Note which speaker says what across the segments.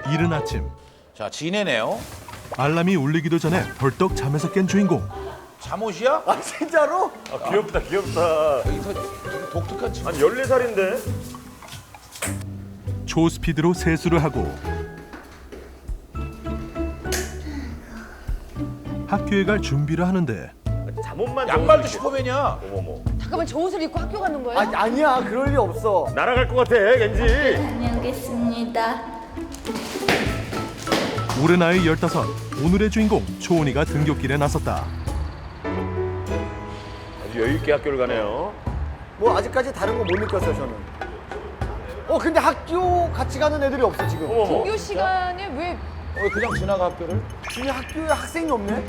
Speaker 1: 이른 아침
Speaker 2: 자, 지네네요.
Speaker 1: 알람이 울리기도 전에 벌떡 잠에서 깬 주인공.
Speaker 2: 잠옷이야?
Speaker 3: 아 진짜로?
Speaker 4: 아, 귀엽다, 귀엽다.
Speaker 2: 여기서 되게 독특한 친구.
Speaker 4: 아니, 14살인데?
Speaker 1: 초스피드로 세수를 하고 학교에 갈 준비를 하는데
Speaker 4: 잠옷만
Speaker 2: 양말도
Speaker 4: 좋은
Speaker 2: 슈퍼맨이야.
Speaker 4: 어머머.
Speaker 5: 잠깐만 저 옷을 입고 학교 가는 거예요?
Speaker 3: 아니야 그럴 리 없어.
Speaker 4: 날아갈 것 같아, 겐지.
Speaker 6: 다녀오겠습니다.
Speaker 1: 올해 나이 15, 오늘의 주인공 초은이가 등굣길에 나섰다.
Speaker 4: 아주 여유있게 학교를 가네요.
Speaker 3: 뭐 아직까지 다른 거 못 느꼈어요 저는. 근데 학교 같이 가는 애들이 없어 지금.
Speaker 4: 어머머.
Speaker 5: 등교 시간에 왜
Speaker 2: 그냥 지나가 학교를?
Speaker 3: 지금 학교에 학생이 없네.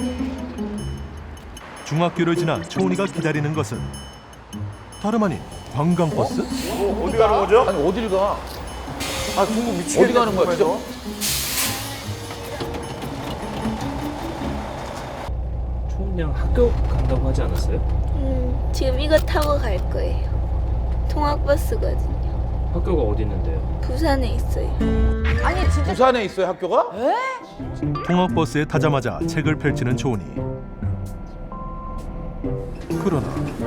Speaker 1: 중학교를 지나 초은이가 기다리는 것은 다름 아닌 관광버스?
Speaker 4: 어디 가는 거죠?
Speaker 2: 아니, 어딜 가?
Speaker 3: 아 중국 미치겠네.
Speaker 2: 어디 가는 거야, 진짜?
Speaker 7: 초은 양 학교 간다고 하지 않았어요?
Speaker 6: 지금 이거 타고 갈 거예요. 통학버스거든요.
Speaker 7: 학교가 어디 있는데요?
Speaker 6: 부산에 있어요.
Speaker 5: 아니 진짜
Speaker 2: 부산에 있어요, 학교가?
Speaker 1: 통학버스에 타자마자 책을 펼치는 초은이. 그러나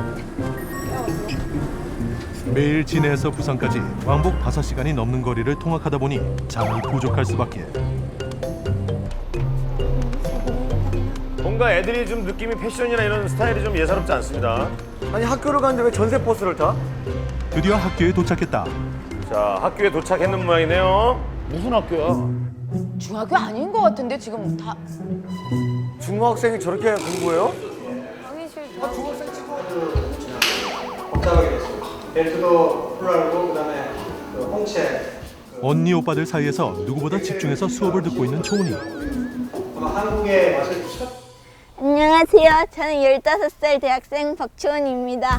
Speaker 1: 매일 진해에서 부산까지 왕복 5시간이 넘는 거리를 통학하다 보니 잠이 부족할 수밖에.
Speaker 4: 뭔가 애들이 좀 느낌이 패션이나 이런 스타일이 좀 예사롭지 않습니다.
Speaker 3: 아니 학교를 가는데 왜 전세 버스를 타?
Speaker 1: 드디어 학교에 도착했다.
Speaker 4: 자, 학교에 도착했는 모양이네요.
Speaker 2: 무슨 학교야?
Speaker 5: 중학교 아닌 것 같은데 지금 다
Speaker 3: 중학생이 저렇게 공부해요?
Speaker 5: 강의 싫다.
Speaker 8: 복잡하게 됐어요. 벨트도 풀알고 그다음에 그 홍채
Speaker 1: 언니 오빠들 사이에서 누구보다 집중해서 수업을 듣고 있는 초은이.
Speaker 8: 아마 한국의 맛을
Speaker 6: 안녕하세요. 저는 15살 대학생 박초은입니다.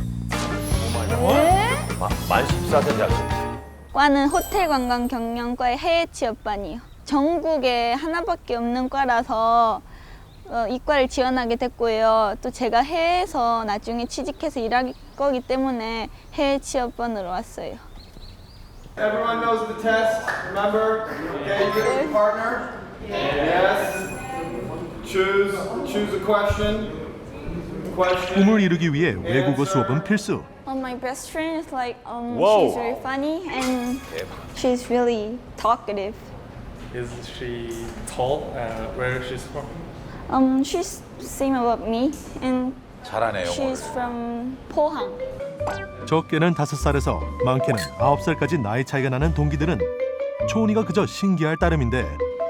Speaker 4: 만 14세 대학생.
Speaker 6: 과는 호텔관광경영과의 해외 취업반이요. 전국에 하나밖에 없는 과라서 이과를 지원하게 됐고요. 또 제가 해외에서 나중에 취직해서 일할 거기 때문에 해외 취업반으로 왔어요.
Speaker 8: Everyone knows the test. Remember? Okay, you get your partner. Yes. Choose a question.
Speaker 1: 꿈을 이루기 위해 외국어 수업은 필수.
Speaker 6: My best friend is like
Speaker 4: Whoa.
Speaker 6: she's very funny and she's really talkative.
Speaker 9: Is she tall? Where she's from?
Speaker 6: She's same about me and
Speaker 2: 잘하네, 영어를.
Speaker 6: she's from 포항.
Speaker 1: 적게는 5살에서 많게는 9살까지 나이 차이가 나는 동기들은 초은이가 그저 신기할 따름인데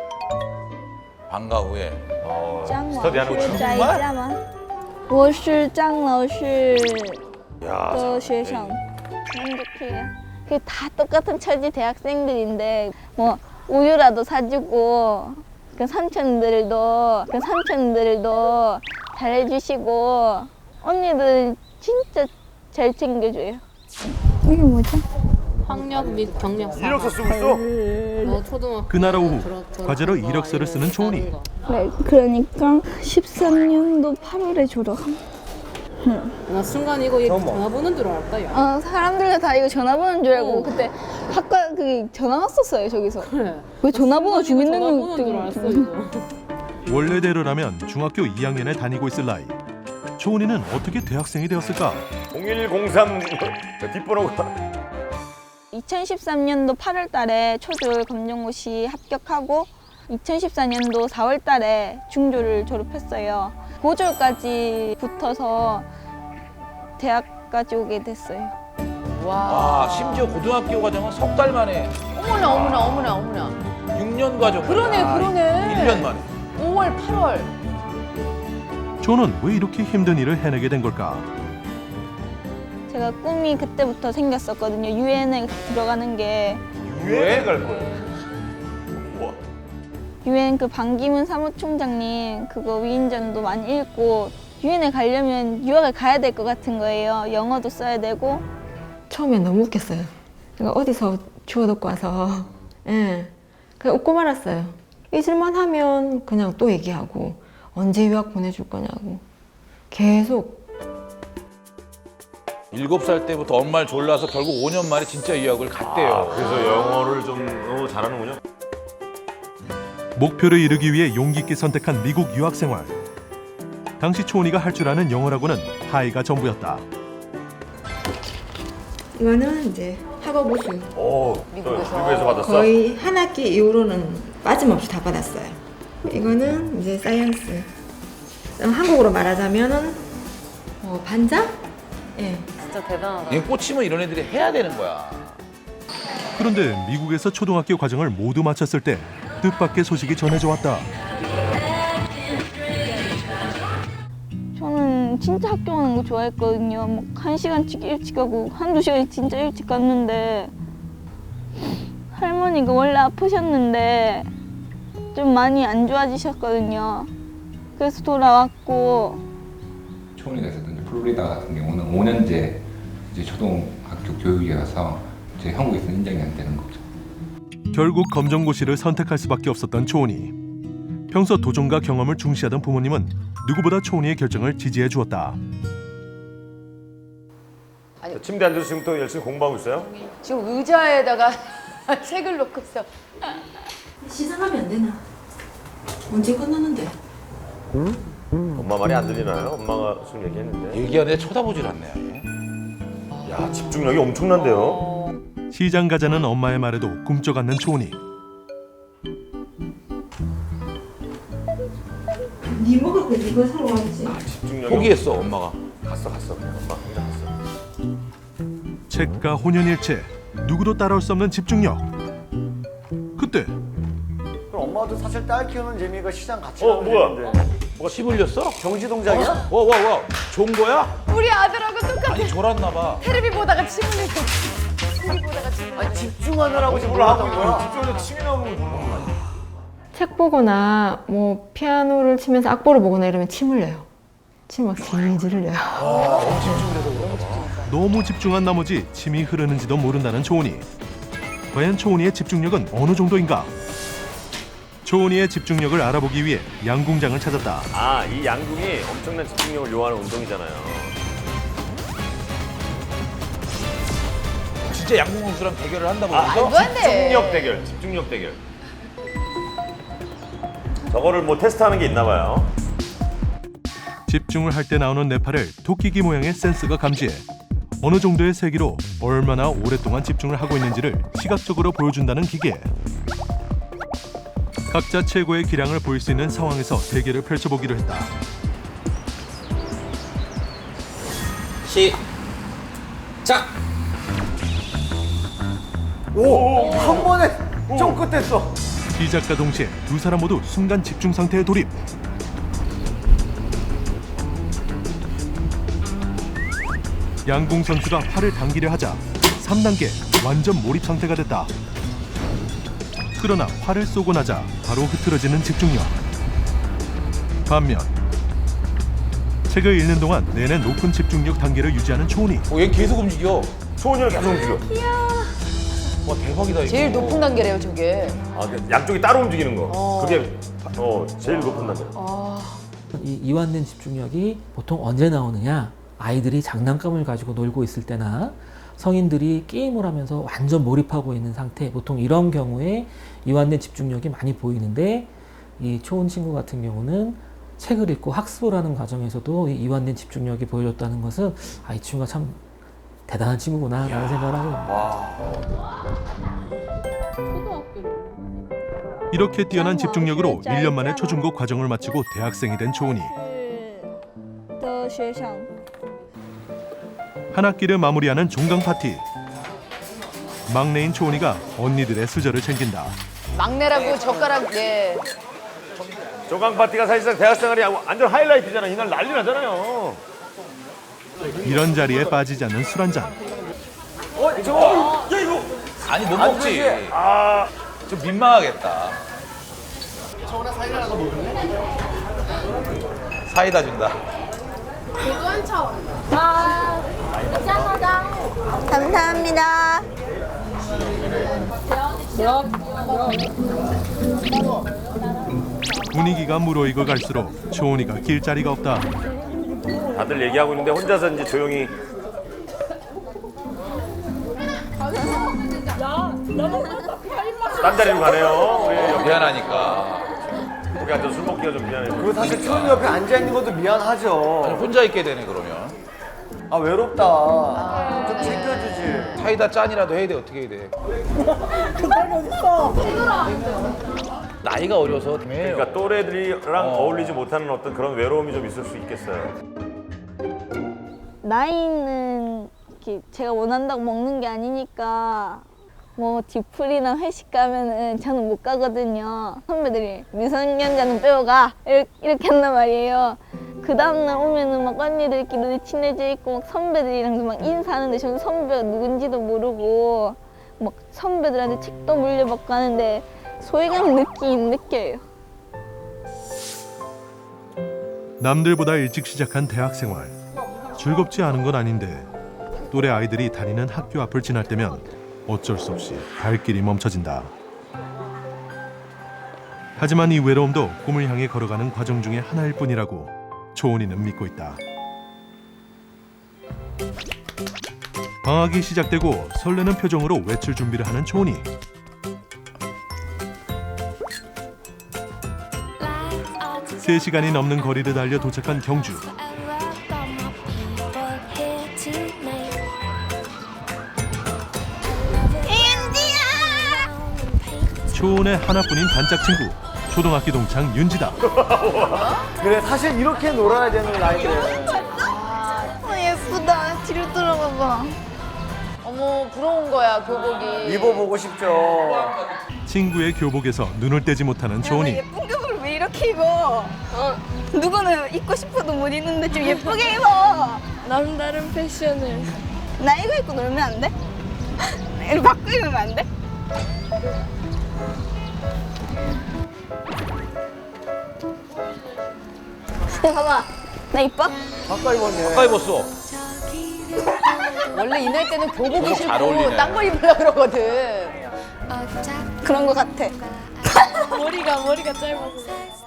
Speaker 2: 방과 후에.
Speaker 6: 张老
Speaker 4: 스터디하는
Speaker 6: 师
Speaker 4: 거죠?
Speaker 6: 在家吗？我是张老师
Speaker 4: 야,
Speaker 6: 的学生。만족해요. 다 똑같은 처지 대학생들인데 뭐 우유라도 사주고 그 삼촌들도 잘해주시고 언니들 진짜 잘 챙겨줘요. 이게 뭐죠?
Speaker 10: 학력 및 경력
Speaker 4: 이력서 쓰고 있어?
Speaker 10: 초등학교
Speaker 1: 그날 오후 과제로 이력서를 쓰는 초은이.
Speaker 6: 네, 그러니까 13년도 8월에 졸업합니다.
Speaker 10: 나 순간 이거 전화번호인 줄 알았다 야.
Speaker 6: 사람들이 다 이거 전화번호인 줄 알고 그때 학과 그 전화 왔었어요 저기서.
Speaker 10: 그래.
Speaker 6: 왜 전화번호
Speaker 10: 전화번호인 줄 알았어
Speaker 6: 주민등록증.
Speaker 10: 이거.
Speaker 1: 원래대로라면 중학교 2학년에 다니고 있을 나이. 초은이는 어떻게 대학생이 되었을까?
Speaker 4: 0103 뒷번호가.
Speaker 6: 2013년도 8월 달에 초졸 검정고시 합격하고 2014년도 4월 달에 중졸을 졸업했어요. 고졸까지 붙어서 대학까지 오게 됐어요.
Speaker 2: 와, 심지어 고등학교 과정은 석 달 만에
Speaker 5: 어머나.
Speaker 2: 6년 과정.
Speaker 5: 그러네.
Speaker 2: 1년 만에.
Speaker 5: 5월 8월.
Speaker 1: 초는 왜 이렇게 힘든 일을 해내게 된 걸까?
Speaker 6: 제가 꿈이 그때부터 생겼었거든요. 유엔에 들어가는 게.
Speaker 4: 유엔에 갈 거예요.
Speaker 6: 유엔 그 반기문 사무총장님 그거 위인전도 많이 읽고 유엔에 가려면 유학을 가야 될 것 같은 거예요. 영어도 써야 되고.
Speaker 11: 처음에 너무 웃겼어요. 제가 어디서 주워듣고 와서 그냥 웃고 말았어요. 잊을만 하면 그냥 또 얘기하고 언제 유학 보내줄 거냐고 계속.
Speaker 2: 7살 때부터 엄마를 졸라서 결국 5년 만에 진짜 유학을 갔대요.
Speaker 4: 그래서 영어를 좀 잘하는군요.
Speaker 1: 목표를 이루기 위해 용기 있게 선택한 미국 유학 생활. 당시 초은이가 할 줄 아는 영어라고는 하이가 전부였다.
Speaker 11: 이거는 이제 학업 우수.
Speaker 4: 오, 미국에서 받았어?
Speaker 11: 거의 한 학기 이후로는 빠짐없이 다 받았어요. 이거는 이제 사이언스. 한국으로 말하자면은 반장? 예.
Speaker 5: 진짜 대단하다.
Speaker 2: 이게 꽂히면 이런 애들이 해야 되는 거야.
Speaker 1: 그런데 미국에서 초등학교 과정을 모두 마쳤을 때 뜻밖의 소식이 전해져 왔다.
Speaker 6: 저는 진짜 학교 가는 거 좋아했거든요. 막 1시간씩 일찍 가고 한두 시간씩 진짜 일찍 갔는데 할머니가 원래 아프셨는데 좀 많이 안 좋아지셨거든요. 그래서 돌아왔고
Speaker 12: 초원이가 있었던 플로리다 같은 경우는 5년제 이제 초등학교 교육이라서 이제 한국에서 인정이 안 되는 거죠.
Speaker 1: 결국 검정고시를 선택할 수밖에 없었던 초은이. 평소 도전과 경험을 중시하던 부모님은 누구보다 초은이의 결정을 지지해 주었다.
Speaker 4: 침대 앉아서 지금 또 열심히 공부하고 있어요?
Speaker 5: 지금 의자에다가 책을 놓고 있어.
Speaker 11: 시작하면 안 되나? 언제 끝났는데?
Speaker 4: 엄마 말이 안 들리나요? 엄마가 지금 얘기했는데.
Speaker 2: 얘기하는데 쳐다보질 않네.
Speaker 4: 야, 집중력이 엄청난데요?
Speaker 1: 시장 가자는 엄마의 말에도 꿈쩍 않는 초은이.
Speaker 11: 네 먹을 거 네가 사러 왔지.
Speaker 4: 집중력이
Speaker 2: 포기했어 엄마가.
Speaker 4: 갔어. 엄마 혼자 갔어.
Speaker 1: 책과 혼연일체, 누구도 따라올 수 없는 집중력. 그때
Speaker 3: 그럼 엄마도 사실 딸 키우는 재미가 시장 같이
Speaker 4: 어,
Speaker 3: 가면
Speaker 4: 뭐야?
Speaker 3: 되는데.
Speaker 2: 뭐가 씨 불렸어?
Speaker 3: 경지 동작이야?
Speaker 2: 와. 좋은 거야?
Speaker 5: 우리 아들하고 똑같아.
Speaker 2: 아니 졸았나 봐.
Speaker 5: 테레비 보다가 침 흘리고. TV 보다가 침 흘리고.
Speaker 3: 아니 집중하느라고
Speaker 4: 뭘
Speaker 3: 몰랐던
Speaker 4: 하고
Speaker 3: 거야.
Speaker 4: 집중해서 침이 나오는 걸 보는 거야.
Speaker 11: 책 보거나 뭐 피아노를 치면서 악보를 보거나 이러면 침 흘려요. 침 막 질질 흘려요.
Speaker 1: 너무 집중한 나머지 침이 흐르는지도 모른다는 초은이. 과연 초은이의 집중력은 어느 정도인가? 초은이의 집중력을 알아보기 위해 양궁장을 찾았다.
Speaker 4: 아, 이 양궁이 엄청난 집중력을 요하는 운동이잖아요.
Speaker 2: 진짜 양궁 선수랑 대결을 한다고
Speaker 4: 아,
Speaker 2: 그러죠?
Speaker 5: 말도 안 돼.
Speaker 4: 집중력 대결. 저거를 뭐 테스트하는 게 있나 봐요.
Speaker 1: 집중을 할 때 나오는 뇌파를 토끼기 모양의 센서가 감지해 어느 정도의 세기로 얼마나 오랫동안 집중을 하고 있는지를 시각적으로 보여준다는 기계. 각자 최고의 기량을 보일 수 있는 상황에서 대결을 펼쳐보기로 했다.
Speaker 2: 시작.
Speaker 3: 오, 한 번에 좀 끝냈어.
Speaker 1: 시작과 동시에 두 사람 모두 순간 집중 상태에 돌입. 양궁 선수가 활을 당기려 하자 3단계 완전 몰입 상태가 됐다. 그러나 활을 쏘고 나자 바로 흐트러지는 집중력. 반면 책을 읽는 동안 내내 높은 집중력 단계를 유지하는 초은이.
Speaker 2: 얘 계속 움직여.
Speaker 4: 초원이랑 계속 움직여.
Speaker 2: 와 대박이다 이거.
Speaker 5: 제일 높은 단계래요 저게.
Speaker 4: 아, 양쪽이 따로 움직이는 거. 그게 제일 높은 단계.
Speaker 13: 이 이완된 집중력이 보통 언제 나오느냐? 아이들이 장난감을 가지고 놀고 있을 때나 성인들이 게임을 하면서 완전 몰입하고 있는 상태, 보통 이런 경우에 이완된 집중력이 많이 보이는데, 이 초은 친구 같은 경우는 책을 읽고 학습을 하는 과정에서도 이 이완된 집중력이 보여줬다는 것은 이 친구가 참 대단한 친구구나 라는 생각을 하게 됩니다.
Speaker 1: 이렇게 뛰어난 집중력으로 1년 만에 초중고 과정을 마치고 대학생이 된 초은이. 한 학기를 마무리하는 종강 파티. 막내인 초은이가 언니들의 수저를 챙긴다.
Speaker 5: 막내라고 젓가락 예.
Speaker 4: 조강 파티가 사실상 대학생활이 완전 하이라이트잖아. 이날 난리 나잖아요.
Speaker 1: 이런 자리에 빠지지 않는 술 한잔.
Speaker 4: 저거, 야 이거.
Speaker 2: 아니 못 먹지. 좀 민망하겠다.
Speaker 3: 저거나 사이다 하나 더 먹을래?
Speaker 2: 사이다 준다.
Speaker 6: 감사합니다.
Speaker 1: 분위기가 무르익어 갈수록 초은이가 길자리가 없다.
Speaker 4: 다들 얘기하고 있는데 혼자서 이제 조용히. 딴 자리로 가네요. 우리
Speaker 2: 미안하니까.
Speaker 4: 거기 앉아서 술 먹기가 좀 미안해요.
Speaker 3: 그리고 사실 초은 옆에 앉아있는 것도 미안하죠.
Speaker 2: 아니, 혼자 있게 되네 그러면.
Speaker 3: 아, 외롭다. 좀 챙겨주지.
Speaker 2: 사이다 짠이라도 해야 돼. 어떻게 해야 돼? 나이가 어려서
Speaker 4: 그러니까 또래들이랑 어울리지 못하는 어떤 그런 외로움이 좀 있을 수 있겠어요.
Speaker 6: 나이는 이렇게 제가 원한다고 먹는 게 아니니까 뭐 뒤풀이나 회식 가면은 저는 못 가거든요. 선배들이 미성년자는 빼어가 이렇게 한단 말이에요. 그 다음날 오면은 막 언니들끼리 친해져 있고 막 선배들이랑도 막 인사하는데 저는 선배가 누군지도 모르고 막 선배들한테 책도 물려받고 하는데 소외감 느끼긴 느껴요.
Speaker 1: 남들보다 일찍 시작한 대학 생활. 즐겁지 않은 건 아닌데 또래 아이들이 다니는 학교 앞을 지날 때면 어쩔 수 없이 발길이 멈춰진다. 하지만 이 외로움도 꿈을 향해 걸어가는 과정 중에 하나일 뿐이라고 초은이는 믿고 있다. 방학이 시작되고 설레는 표정으로 외출 준비를 하는 초은이. 세 시간이 넘는 거리를 달려 도착한 경주. 초은의 하나뿐인 단짝 친구 초등학교 동창 윤지다.
Speaker 3: 그래, 사실 이렇게 놀아야 되는 나이인데.
Speaker 6: 예쁘다. 뒤로 돌아봐봐.
Speaker 5: 어머 부러운 거야 교복이.
Speaker 3: 입어보고 싶죠.
Speaker 1: 친구의 교복에서 눈을 떼지 못하는 초은이.
Speaker 6: 예쁜 교복을 왜 이렇게 입어? 누구는 입고 싶어도 못 입는데 좀 예쁘게 입어.
Speaker 10: 남다른 패션을.
Speaker 6: 나 이거 입고 놀면 안 돼? 이거 바꿔 입으면 안 돼? 봐봐, 나 이뻐?
Speaker 3: 가까이 입었네.
Speaker 2: 가까이 입었어.
Speaker 5: 원래 이 나이 때는 교복이
Speaker 2: 잘 어울리네.
Speaker 5: 싫고 딴 거 입으려 그러거든.
Speaker 6: 그런 거 같아.
Speaker 10: 머리가 짧아서.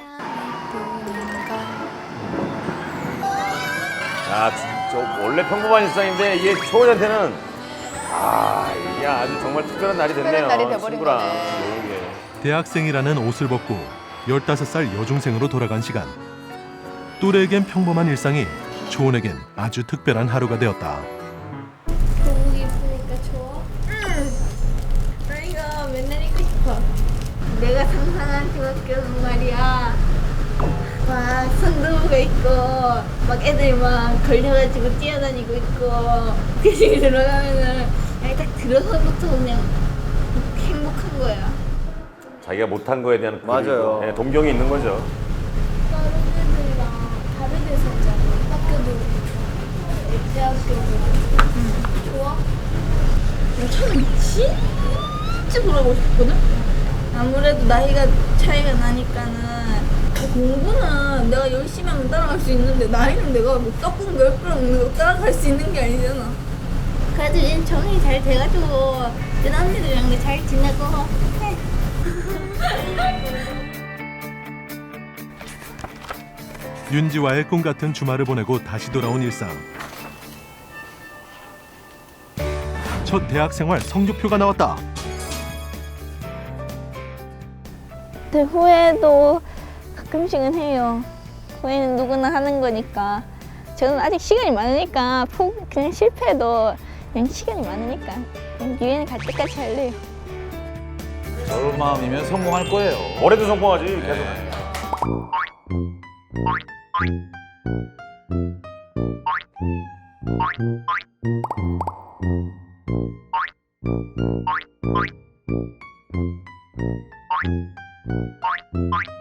Speaker 4: 아, 진짜 원래 평범한 일상인데 이게 초은이한테는 이게 아주 정말 특별한 날이 됐네요.
Speaker 5: 특별한 날이 돼버린
Speaker 4: 친구랑
Speaker 5: 거네.
Speaker 4: 노는 게.
Speaker 1: 대학생이라는 옷을 벗고 15살 여중생으로 돌아간 시간. 또래에겐 평범한 일상이 초은에겐 아주 특별한 하루가 되었다.
Speaker 6: 교복 입으니까 좋아? 응. 나 이거 맨날 입고 싶어. 내가 상상한 중학교는 말이야. 막 선도부가 있고 막 애들 막 걸려가지고 뛰어다니고 있고 그 집에 들어가면은 딱 들어서부터 그냥 행복한 거야.
Speaker 4: 자기가 못한 거에 대한
Speaker 3: 맞아요.
Speaker 4: 네, 동경이 있는 거죠.
Speaker 6: 다른 애들이랑 다른 데서 있잖아. 학교도 대학교도. 좋아? 나 처음에 진짜 돌아가고 싶거든? 아무래도 나이가 차이가 나니까는 공부는 내가 열심히 하면 따라갈 수 있는데 나이는 내가 뭐 떡국 10그릇 먹는 거 따라갈 수 있는 게 아니잖아. 그래도 이제 적응이 잘 돼가지고 이제 언니들이랑 잘 지내고 해.
Speaker 1: 윤지와의 꿈 같은 주말을 보내고 다시 돌아온 일상. 첫 대학 생활 성적표가 나왔다.
Speaker 6: 네, 후회도 가끔씩은 해요. 후회는 누구나 하는 거니까. 저는 아직 시간이 많으니까 그냥 실패해도 그냥 시간이 많으니까 그냥 유엔 갈 때까지 할래요.
Speaker 2: 저런 마음이면 성공할 거예요.
Speaker 4: 올해도 성공하지. 계속.
Speaker 2: 네.